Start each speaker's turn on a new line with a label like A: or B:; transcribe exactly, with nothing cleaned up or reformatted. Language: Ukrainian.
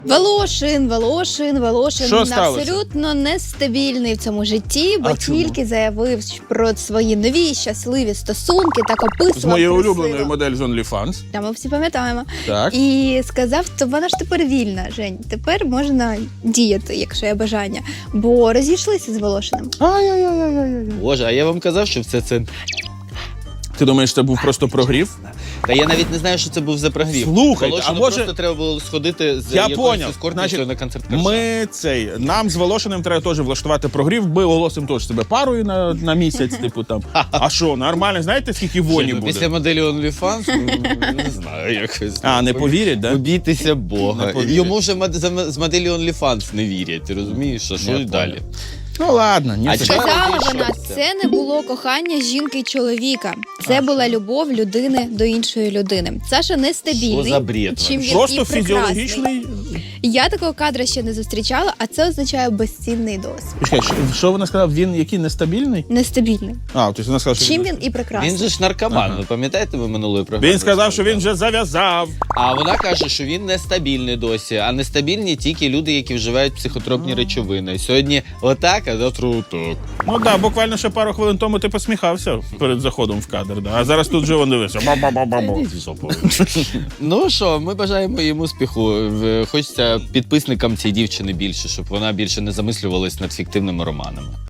A: Волошин, Волошин, Волошин
B: Що сталося?
A: абсолютно нестабільний в цьому житті, бо
B: А чому?
A: тільки заявив про свої нові щасливі стосунки, так описував
B: З моєю
A: красиво.
B: улюбленою модель з OnlyFans.
A: Та ми всі пам'ятаємо.
B: Так.
A: І сказав, то вона ж тепер вільна, Жень. Тепер можна діяти, якщо є бажання. Бо розійшлися з Волошиним.
B: Ай-яй-яй-яй-яй.
C: Боже, а я вам казав, що все це...
B: Ти думаєш, це був просто прогрів?
C: Та я навіть не знаю, що це був за прогрів.
B: Слухайте,
C: Волошину
B: а може-
C: просто треба було сходити з
B: Я
C: якоюсь
B: поняв.
C: ескортницею
B: Значить,
C: на концерт Коржа.
B: Ми цей, нам з Волошиним треба теж влаштувати прогрів, ми оголосимо теж себе парою на, на місяць, типу там. А що, нормально, знаєте, скільки воні
C: Ні, ну,
B: буде?
C: Після моделі OnlyFans, ну, не знаю, якось.
B: А, не повірять, да?
C: Побійтеся Бога.
B: Не повірять.
C: Йому вже мод- за- з моделі OnlyFans не вірять, ти розумієш? А що
B: Я
C: і далі?
B: Ну ладно, ні.
C: А
B: це-
C: чого?
A: Сказала
C: розійшовся.
A: вона, це не було кохання жінки й чоловіка. Це була любов людини до іншої людини. Саша нестабільний.
C: Що за бред
A: чим він
B: Просто
A: і прекрасний.
B: фізіологічний.
A: Я такого кадра ще не зустрічала, а це означає безцінний досвід.
B: Чекай, що- Що вона сказала? Він який нестабільний?
A: Нестабільний.
B: А, тобто вона сказала, що
A: Чим
B: він...
A: він і прекрасний.
C: Він же ж наркоман,
B: Ага.
C: ви пам'ятаєте, ви минулої програми?
B: Він сказав, що він вже зав'язав.
C: А вона каже, що він нестабільний досі, а нестабільні тільки люди, які вживають психотропні речовини. Сьогодні отак, а завтра отак.
B: Ну так, да, буквально ще пару хвилин тому ти посміхався перед заходом в кадр, да. А зараз тут же він дивився. Ба-ба-ба-ба-ба.
C: Ну що, ми бажаємо їм успіху. В- Хочеться підписникам цієї дівчини більше, щоб вона більше не замислювалась над фіктивними романами.